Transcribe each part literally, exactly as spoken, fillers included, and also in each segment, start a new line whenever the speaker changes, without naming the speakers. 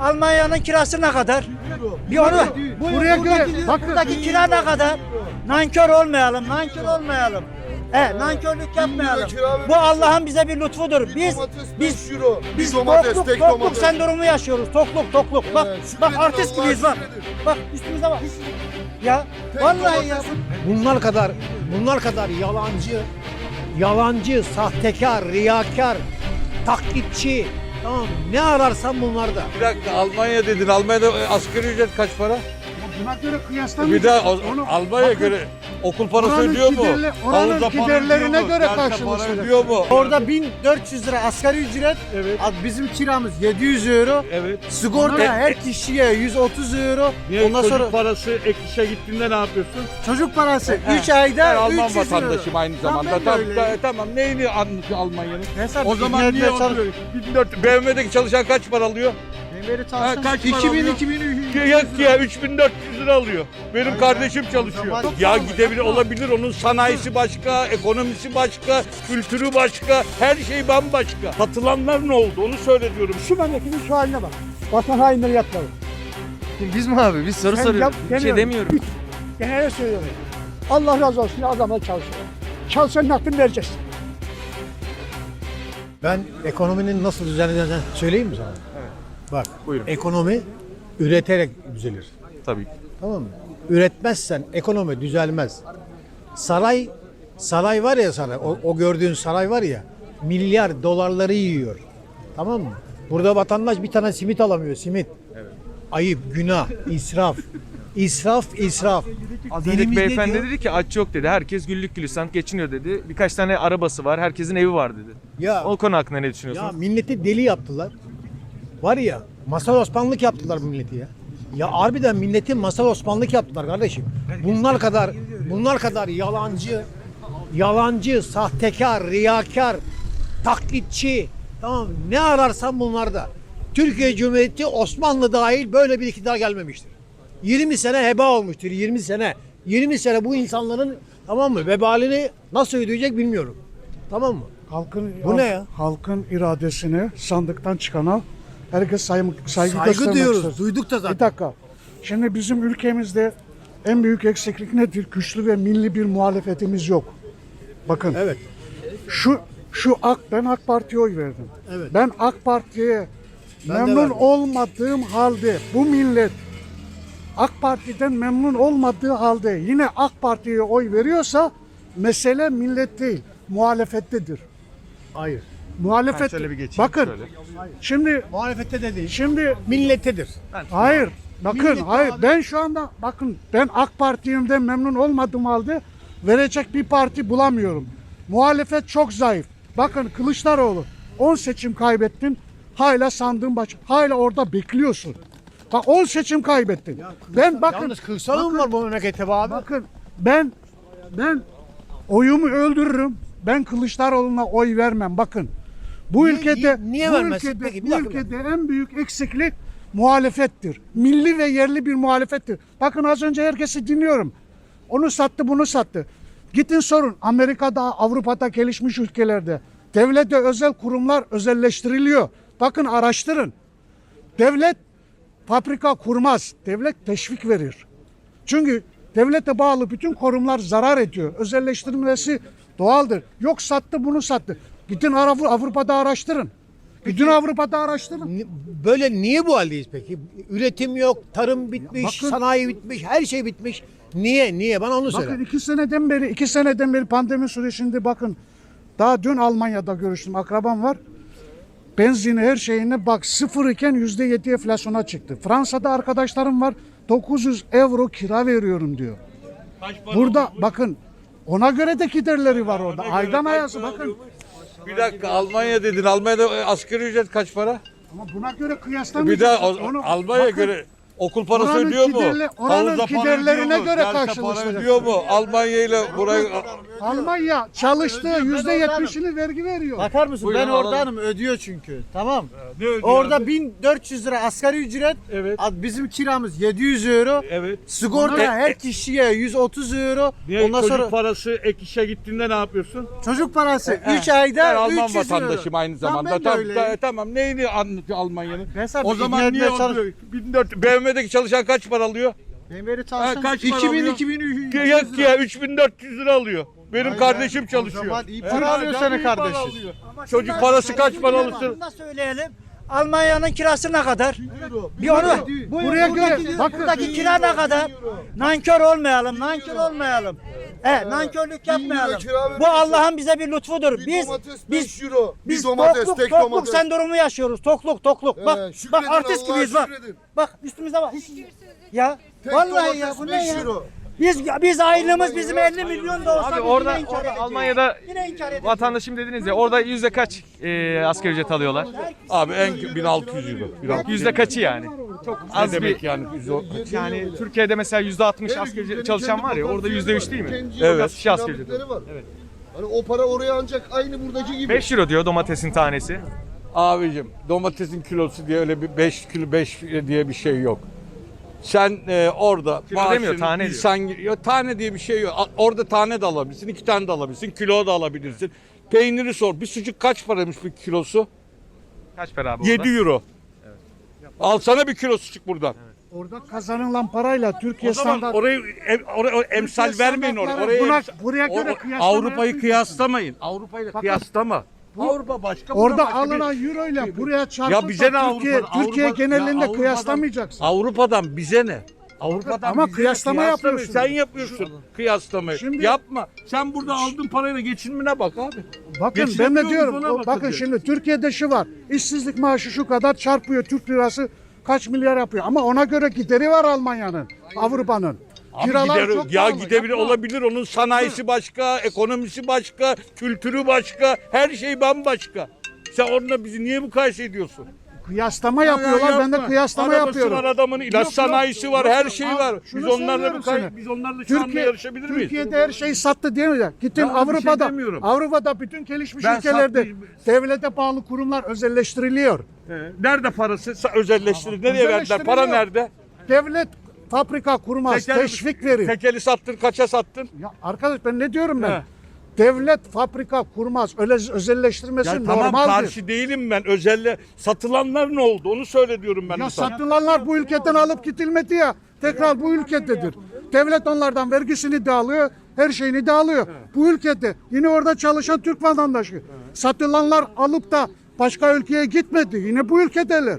Almanya'nın kirası ne kadar? Bir onu buraya göre bak buradaki kira ne kadar? Nankör olmayalım, nankör olmayalım. He, nankörlük yapmayalım. Bu Allah'ın bize bir lütfudur. Biz biz biz tokluk, tokluk sendromu yaşıyoruz. Tokluk, tokluk. Bak, bak artist gibiyiz bak. Bak üstümüze bak. Ya vallahi ya.
Bunlar kadar bunlar kadar yalancı, yalancı, sahtekar, riyakar, taklitçi. Tamam, ne ararsan bunlarda.
Bir dakika, Almanya dedin. Almanya'da asgari ücret kaç para?
Buna göre kıyaslamayacağız.
Bir daha o-
Onu-
Almanya'ya
bakın,
göre okul parası
oranın
ödüyor mu?
giderle- oranın
Havuza para
giderlerine
ödüyor mu?
göre
Derse
karşılığı
para
söyle.
ödüyor mu?
Orada bin dört yüz lira asgari ücret,
Evet.
bizim kiramız yedi yüz euro,
Evet.
sigorta
E-
her kişiye yüz otuz euro,
Niye
ondan
çocuk
sonra
parası ek işe gittiğinde ne yapıyorsun?
çocuk parası
He,
üç ayda
Ben Alman
üç yüz euro.
vatandaşım aynı zamanda.
ben de
Tamam,
öyleyim.
ta- tamam. Neyini anlatıyor Almanya'nın?
Hesap
O zaman
İngilizce
niye
çalış-
oturuyor? bin dört B M W'deki çalışan kaç para alıyor?
Beni
Ha, kaç para
iki bin
alıyor?
iki bin
Yok ya üç bin dört yüz lira alıyor. Benim kardeşim çalışıyor.
zaman-
Ya gidebilir olabilir, onun sanayisi başka, ekonomisi başka, kültürü başka, her şey bambaşka. Satılanlar ne oldu onu söyle diyorum.
Şu memleketin şu haline bak. Vatan hainleri yatmalı.
Biz mi abi? Biz soru
Sen
soruyoruz.
yap,
Bir şey
demiyorum.
demiyorum.
Genelde söylüyorum. Allah razı olsun adamlar çalışıyor. Çalışanın hakkını vereceğiz.
Ben ekonominin nasıl düzenleneceğini söyleyeyim mi sana? Evet. Bak,
Buyurun.
ekonomi üreterek düzelir.
Tabii ki.
Tamam mı? Üretmezsen ekonomi düzelmez. Saray, saray var ya saray, o, o gördüğün saray var ya, milyar dolarları yiyor. Tamam mı? Burada vatandaş bir tane simit alamıyor, simit. Evet. Ayıp, günah, israf. İsraf, israf.
Az
Dinimiz
önceki
ne
beyefendi
diyor?
dedi ki aç yok dedi. Herkes güllük gülistanlık geçiniyor dedi. Birkaç tane arabası var. Herkesin evi var dedi.
Ya,
O konu hakkında ne
ya
düşünüyorsunuz?
milleti deli yaptılar. Var ya, masal osmanlık yaptılar bu milleti ya. Ya harbiden milleti masal osmanlık yaptılar kardeşim. Bunlar kadar bunlar kadar yalancı, yalancı, sahtekar, riyakar, taklitçi. Tamam, ne ararsan bunlarda. Türkiye Cumhuriyeti Osmanlı dahil böyle bir iktidar gelmemiştir. yirmi sene heba olmuştur, yirmi sene. yirmi sene bu insanların, tamam mı, vebalini nasıl ödeyecek bilmiyorum. Tamam mı?
Halkın,
Bu ne ya?
Halkın iradesini sandıktan çıkana herkes saygı, saygı,
Saygı
göstermek
diyoruz,
ister.
duyduk da zaten.
Bir dakika. Şimdi bizim ülkemizde en büyük eksiklik nedir? Güçlü ve milli bir muhalefetimiz yok. Bakın.
Evet.
Şu şu AK ben AK Parti'ye oy verdim.
Evet.
Ben AK Parti'ye
Ben de
memnun
verdim.
olmadığım halde bu millet AK Parti'den memnun olmadığı halde yine AK Parti'ye oy veriyorsa mesele millet değil, muhalefettedir.
Hayır.
Muhalefet.
şöyle bir geçeyim,
bakın.
şöyle.
Şimdi
Muhalefette de değil.
şimdi
Millettedir.
hayır. Bakın
Millet
hayır
abi-
ben şu anda bakın ben AK Parti'den memnun olmadığım halde verecek bir parti bulamıyorum. Muhalefet çok zayıf. Bakın Kılıçdaroğlu on seçim kaybettin. Hala sandığın baş hala orada bekliyorsun. Bak on seçim kaybettin. Ben bakın
Yalnız Kılıçdaroğlu
bakın-
var bu memlekette be abi.
Bakın ben ben oyumu öldürürüm. Ben Kılıçdaroğlu'na oy vermem. Bakın. Bu
Niye-
ülkede
niye- niye
bu
vermezsin
ülkede,
peki? Bir
bu
dakika, bir
ülkede en büyük eksiklik muhalefettir. Milli ve yerli bir muhalefettir. Bakın az önce herkesi dinliyorum. Onu sattı, bunu sattı. Gidin sorun. Amerika'da, Avrupa'da, gelişmiş ülkelerde devlet ve özel kurumlar özelleştiriliyor. Bakın araştırın. Devlet fabrika kurmaz. Devlet teşvik verir. Çünkü devlete bağlı bütün kurumlar zarar ediyor. Özelleştirilmesi doğaldır. Yok sattı bunu sattı. Gidin Avru- Avrupa'da araştırın. Gidin Avrupa'da araştırın.
Ni- Böyle niye bu haldeyiz peki? Üretim yok, tarım bitmiş,
bakın-
sanayi bitmiş, her şey bitmiş. Niye? Niye? Bana onu söyle.
Bakın iki seneden beri, iki seneden beri pandemi sürecinde bakın. Daha dün Almanya'da görüştüm. Akrabam var. Benzini her şeyine bak sıfır iken yüzde yedi enflasyona çıktı. Fransa'da arkadaşlarım var. dokuz yüz euro kira veriyorum diyor. Burada bakın ona göre de giderleri var orada. Aydan ayası bakın.
Bir dakika, Almanya dedin. Almanya'da asgari ücret kaç para?
Ama buna göre
Bir
kıyaslamayacağız.
daha o-
Onu-
Almanya'ya
bakın,
göre Okul parası
Oranın
ödüyor mu?
giderle- oranın
Havuza para
giderlerine
ödüyor mu?
göre
Derse para
karşılaştıracak.
ödüyor mu? Almanya ile burayı...
Almanya çalıştığı yüzde yetmişini vergi veriyor.
Bakar mısın?
Buyurun,
ben
alalım.
oradanım, ödüyor çünkü. Tamam.
Ne ödüyor
Orada
abi?
bin dört yüz lira asgari ücret.
Evet.
Ad- Bizim kiramız yedi yüz euro.
Evet.
Sigorta
E-
her kişiye yüz otuz euro.
Niye
Ondan
çocuk
sonra
parası ek işe gittiğinde ne yapıyorsun?
çocuk parası üç
Ben
ayda
Alman
üç yüz euro.
vatandaşım aynı
Tamam,
zamanda.
ben de
Tamam,
öyleyim.
ta- tamam. Neyini anlatıyor Almanya'nın?
Ben sana
O
bir
zaman
ikna
niye
etmeye çalış-
oluyor? bin dört B M W'deki çalışan kaç para alıyor?
Ben beri
Ha,
çalışan
kaç para
iki bin
alıyor?
iki bin üç yüz
Yok ya üç bin dört yüz lira alıyor. Benim kardeşim çalışıyor.
zaman iyi
Evet,
para alıyor
çok
senin
iyi para
kardeşin.
alıyor. Çocuk parası kaç para alırsın?
Şunu da söyleyelim. Almanya'nın kirası ne kadar? Bir onu
Buraya göre bakın
buradaki kira ne kadar? Nankör olmayalım, nankör olmayalım. E, nankörlük yapmayalım. Bu Allah'ın bize bir lütfudur. Biz biz
euro.
biz
bir domates,
tokluk,
tek
tokluk
domates.
sendromu yaşıyoruz. Tokluk, tokluk.
He,
Bak,
şükredin
bak artist
Allah'a,
gibiyiz bak.
şükredin.
Bak üstümüze bak. Ya
Tek
vallahi ya
domates
bu ne
beş
ya?
euro.
Biz biz aylığımız bizim elli milyon da olsa
Abi
biz
orada,
yine inkar
orada
edeceğiz.
Almanya'da
Yine inkar edeceğiz.
vatandaşım dediniz ya, orada yüzde kaç e, asgari ücret alıyorlar?
Abi en bin altı yüz euro. bin altı yüz.
Yüzde kaçı yani? Çok
Ne
az
demek
bir,
yani? Yüz o-
yani Türkiye'de mesela yüzde altmış asgari ücret çalışan var ya, orada yüzde üç değil mi?
Kendi
Evet.
Çok az kişi asgari ücret.
kiralıkları var. Hani o para oraya ancak aynı buradaki gibi.
beş euro diyor domatesin tanesi.
Abicim domatesin kilosu diye öyle bir beş kilo beş diye bir şey yok. Sen e, orada
Kilo demiyor, tane diyor.
insan, ya, tane diye bir şey yok. A- Orada tane de alabilirsin, iki tane de alabilirsin, kilo da alabilirsin. Peyniri sor. Bir sucuk kaç paraymış bir kilosu?
Kaç para abi orada?
yedi euro. Alsana bir kilo sucuk buradan.
orada kazanılan parayla Türkiye
O zaman
standart
orayı em, oraya, oraya emsal
Türkiye
vermeyin oraya.
standartları
Oraya
buna-
emsal-
buraya göre
o-
kıyaslama
Avrupa'yı
yapmayacaksın.
kıyaslamayın. Avrupa'yla kıyaslama. Avrupa başka. burada
orada
başka bir-
alınan euro ile buraya
Ya
çarpıp
bize ne
da Türkiye,
Avrupa'dan?
Türkiye
Avrupa-
genelinde
Ya Avrupa'dan-
kıyaslamayacaksın.
Avrupa'dan bize ne? Avrupa'dan
Ama
bize ne?
kıyaslama
Kıyaslamayın.
yapıyorsun.
Sen yapıyorsun kıyaslamayı.
Şimdi-
Yapma. Sen burada aldığın parayla geçinmene bak abi.
Bakın ben
Geçinemiyoruz,
de diyorum
ona
o- bakın
bakacağız.
şimdi Türkiye'de şu var. İşsizlik maaşı şu kadar çarpıyor Türk lirası kaç milyar yapıyor. Ama ona göre gideri var Almanya'nın, Avrupa'nın.
Abi
Kiralar
gider-
çok
ya
pahalı,
gidebilir
yapma.
olabilir. Onun sanayisi başka, ekonomisi başka, kültürü başka, her şey bambaşka. Sen onunla bizi niye mukayese ediyorsun?
Kıyaslama yapıyorlar.
Ya
Ben de
yapma.
kıyaslama
Arabası
yapıyorum.
var adamın, ilaç
Yok, yok,
sanayisi var,
yok,
her
yok.
şey
Al,
var.
şunu
Biz onlarla
söylüyorum
mukay-
sana.
biz onlarla şu anda
Türkiye,
yarışabilir miyiz?
Türkiye'de her şey sattı diyor ya. Gittin
Ya bir şey
Avrupa'da,
demiyorum.
Avrupa'da bütün gelişmiş
Ben
ülkelerde
satmayayım.
devlete bağlı kurumlar özelleştiriliyor.
He. Nerede parası? Sa- Özelleştirir. Nereye verdiler? Para nerede?
Devlet fabrika kurmaz,
Tekeli-
teşvik verir.
Tekeli sattın, kaça sattın?
Ya arkadaş ben ne diyorum ben?
He.
Devlet fabrika kurmaz. Öyle özelleştirmesi
Ya tamam
normaldir.
karşı değilim ben. Özelle satılanlar ne oldu? Onu söyle diyorum ben.
Ya
de sana.
satılanlar bu ülkeden alıp gidilmedi ya. Tekrar bu ülkededir. Devlet onlardan vergisini de alıyor, her şeyini de alıyor. Bu ülkede yine orada çalışan Türk vatandaşı. Satılanlar alıp da başka ülkeye gitmedi. Yine bu ülkedeler.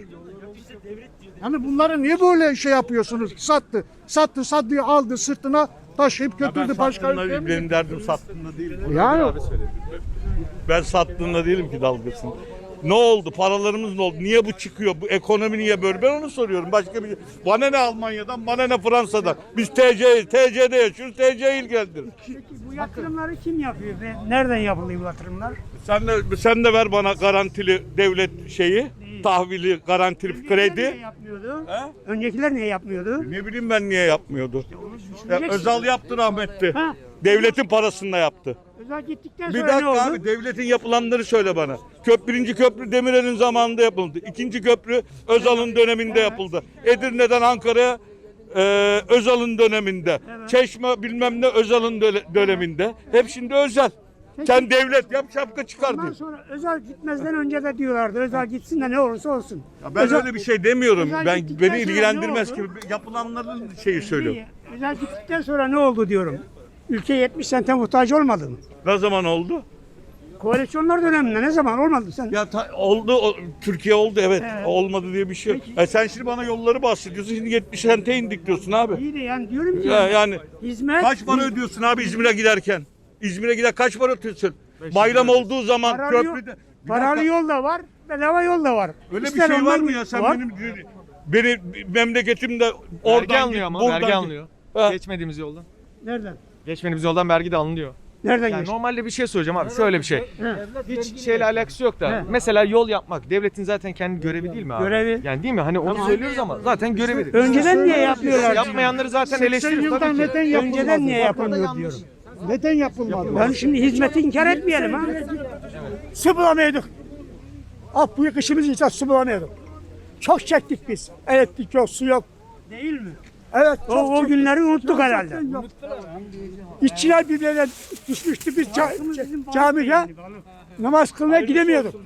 Yani bunları niye böyle şey yapıyorsunuz? Sattı, sattı, sattı, aldı sırtına taşıyıp
Ben
götürdü başka ülkeye.
sattığında
mi
benim derdim sattığında değil.
Yani
Ben sattığında değilim ki dalgasını. Ne oldu? Paralarımız ne oldu? Niye bu çıkıyor? Bu ekonomi niye böyle? Ben onu soruyorum. Başka bir bana ne Almanya'dan, bana ne Fransa'dan. Biz T C, T C'de yaşıyoruz. T C ilgilendirir.
Bu yatırımları kim yapıyor ve nereden yapılıyor bu yatırımlar?
Sen de sen de ver bana garantili devlet şeyi, tahvili, garantili
Öncekiler niye
kredi.
yapmıyordu?
He?
Öncekiler niye yapmıyordu?
Ne bileyim ben niye yapmıyordu? Ya,
düşüneceksin.
Özal yaptı rahmetli.
Ha.
Devletin parasında yaptı.
Özel gittikten
Bir
sonra ne
dakika
oldu?
abi devletin yapılanları söyle bana. Köp birinci köprü Demirel'in zamanında yapıldı. İkinci köprü Özal'ın döneminde yapıldı. Edirne'den Ankara'ya e, Özal'ın döneminde. Çeşme bilmem ne Özal'ın döle- döneminde. Hep şimdi özel. Sen devlet yap şapka çıkar
Ondan
diyor.
sonra özel gitmezden önce de diyorlardı. Özel gitsin de ne olursa olsun.
Ya ben
özel,
öyle bir şey demiyorum.
Özel
Ben
gittikten
beni
sonra
ilgilendirmez
ne
ki
oldu?
yapılanların şeyi söylüyorum.
İyi. Özel gittikten sonra ne oldu diyorum. Ülke yetmiş sente muhtaç olmadı mı?
Ne zaman oldu?
Koalisyonlar döneminde ne zaman olmadı sen?
Ya ta- oldu o- Türkiye oldu evet.
Evet.
Olmadı diye bir şey yok. E sen şimdi bana yolları bahsediyorsun. Şimdi yetmiş sente indik diyorsun abi.
İyi de yani diyorum ki
Ya, yani
hizmet
kaç para ödüyorsun abi İzmir'e giderken? İzmir'e gider kaç para ödüyorsun? Bayram olduğu zaman
paralı, yol,
köprüde. Bir
paralı
dakika,
yol da var, bedava yol da var.
öyle
İster
bir şey var
onlar
mı ya? Sen
var.
benim beni memleketimde oradan
Vergi alınıyor
git,
ama
buradan
vergi
git.
alınıyor.
Ha.
Geçmediğimiz yoldan.
Nereden?
Geçmediğimiz yoldan vergi de alınıyor.
Nereden
Yani
geçti?
normalde bir şey söyleyeceğim abi. Şöyle bir şey. Hiç şeyle alakası yok da. Mesela yol yapmak devletin zaten kendi görevi değil mi abi?
Görevi.
Yani değil mi? Hani onu söylüyoruz ama zaten görevi.
Önceden niye yapmıyorlar?
Yapmayanları zaten
seksen
eleştiriyoruz
yılda
tabii ki.
neden yapılmadı?
Önceden niye yapılmıyor diyorum.
Neden yapılmadı?
Yani şimdi hizmeti inkar etmeyelim ha. Su bulamıyorduk. Ah bu kışımız için su bulamıyorduk. Çok çektik biz. Elektrik yok, su yok. Değil mi? Evet. O, o günleri unuttuk herhalde. İşçiler birbirine düşmüştü biz ca camiye namaz kılmaya gidemiyorduk.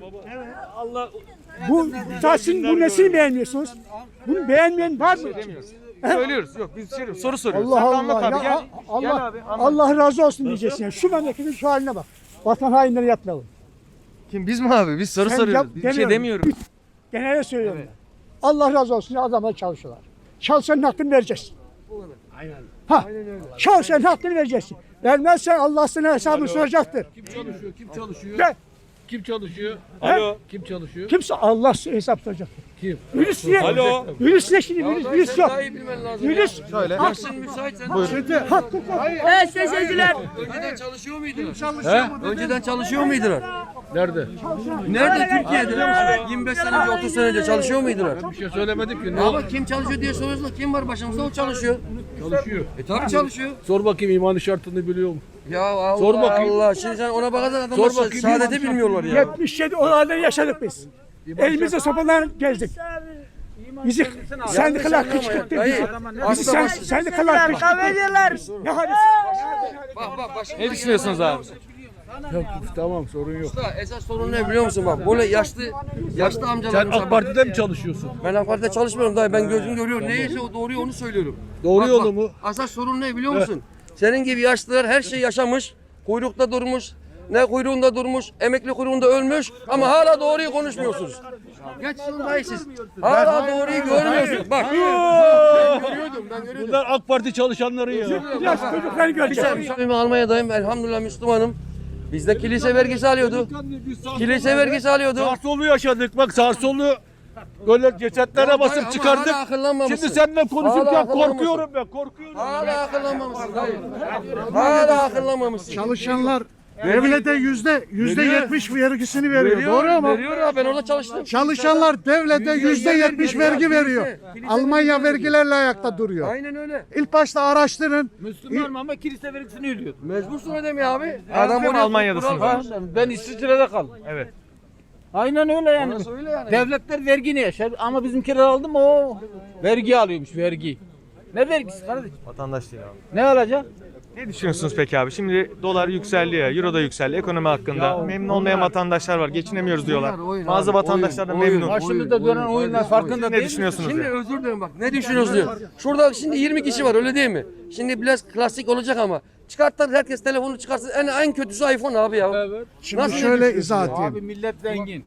Bu Tahsin bu nesini beğenmiyorsunuz? Bunu beğenmeyen var mı?
Söylüyoruz. Yok biz şey soru soruyoruz.
Allah
Sen de anlat
Allah.
abi,
Ya,
gel.
Allah,
Gel abi, anlat.
Allah razı olsun diyeceksin. Yani. Şu memleketin şu haline bak. Vatan hainleri yapmayalım.
Kim biz mi abi? Biz soru
Sen
soruyoruz.
yap-
Biz bir şey
demiyorum.
demiyoruz.
Genelde söylüyorum. ben. Allah razı olsun. Adamlar çalışıyorlar. Çalışanın hakkını vereceksin. Aynen. Ha. Çalışanın hakkını vereceksin. Vermezsen Allah sana hesabını soracaktır.
Kim çalışıyor? Kim çalışıyor?
Ve
Kim çalışıyor?
Alo.
Kim çalışıyor?
kimse Allah hesap soracaktır.
Kim?
Virüs niye?
Alo.
Virüs ne şimdi? Virüs, virüs yok. Virüs.
Şöyle.
Hakkı
Evet seyirciler. Önceden çalışıyor muydular? Önceden çalışıyor muydular?
Nerede?
Nerede Türkiye'de? yirmi beş sene önce otuz sene önce çalışıyor muydular?
Bir şey söylemedik ki. Ne
Ama kim çalışıyor diye soruyorsun. Kim var başımızda o çalışıyor.
çalışıyor?
E tabii çalışıyor.
Sor bakayım imanı şartını biliyor mu?
Ya Allah
Sor bakayım.
Allah. Şimdi sen ona bakarsan adamlar
Sor bakayım.
saadeti bilmiyorlar ya.
yetmiş yedi olaylar yaşadık biz. Elimizde sopalar gezdik. Bizi sendikalar kışkırttı.
Dayı,
Bizi sen, sendikalar kışkırttı. Ne hadisi?
Bak bak baş.
Ne düşünüyorsunuz abi?
Yok, tamam sorun yok.
Usta, esas sorun ne biliyor musun bak böyle yaşlı yaşlı
Sen
amcalarımız
AK Parti'de mi çalışıyorsun?
ben AK Parti'de çalışmıyorum dayı ben gözüm görüyor neyse o doğruyu onu söylüyorum.
Doğru
Bak,
yolu
bak,
mu?
Asas sorun ne biliyor musun? Senin gibi yaşlılar her şey yaşamış, kuyrukta durmuş, ne kuyruğunda durmuş, emekli kuyruğunda ölmüş ama hala doğruyu konuşmuyorsunuz. Geç şunu dayı siz. Hala doğruyu görmüyorsunuz. Bak. Ben görüyordum, ben görüyordum.
Bunlar AK Parti çalışanları ya.
Yaş çocukları göreceğim.
Ben Almanya'dayım, elhamdülillah Müslümanım. Bizde kilise vergisi alıyordu. Kilise vergisi alıyordu.
Sarsolu yaşadık bak sarsolu. Böyle cesetlere basıp
Ama
çıkardık.
hala akıllanmamışsın.
Şimdi seninle
Hala
konuşurken
akıllanmamışsın.
korkuyorum ben korkuyorum.
Hala akıllanmamışsın dayı. Hala akıllanmamışsın.
Çalışanlar devlete yüzde yüzde yetmiş vergisini veriyor. Doğru mu?
Veriyor ya ben orada çalıştım.
Çalışanlar devlete yüzde yetmiş vergi veriyor. Almanya vergilerle ayakta duruyor.
Aynen öyle.
İlk başta araştırın.
Müslüman ama kilise vergisini ödüyor.
Mecbursun ödemeye abi.
Adam
oraya-
Almanya'dasınız.
Ha,
Ben İsviçre'de kaldım.
Evet.
Aynen öyle yani.
orası öyle yani.
Devletler vergini yaşar ama bizimkiler aldı mı o vergi alıyormuş vergi. Ne vergisi kardeşim?
Vatandaş değil abi.
Ne alacak?
Ne düşünüyorsunuz peki abi? Şimdi dolar yükseldi ya, euro da yükseldi. Ekonomi hakkında memnun olmayan vatandaşlar var. Geçinemiyoruz diyorlar.
Oyun, oyun
Bazı
abi,
vatandaşlar da
oyun,
memnun.
oyun.
Başımızda dönen oyunlar farkında
Ne
değil.
düşünüyorsunuz
Şimdi
ya?
özür dilerim bak ne düşünüyoruz diyor. Şurada şimdi yirmi kişi var öyle değil mi? Şimdi biraz klasik olacak ama çıkarttılar herkes telefonu çıkarsın en en kötüsü iPhone abi ya.
Evet.
Şimdi şöyle izah edeyim.
Abi millet zengin.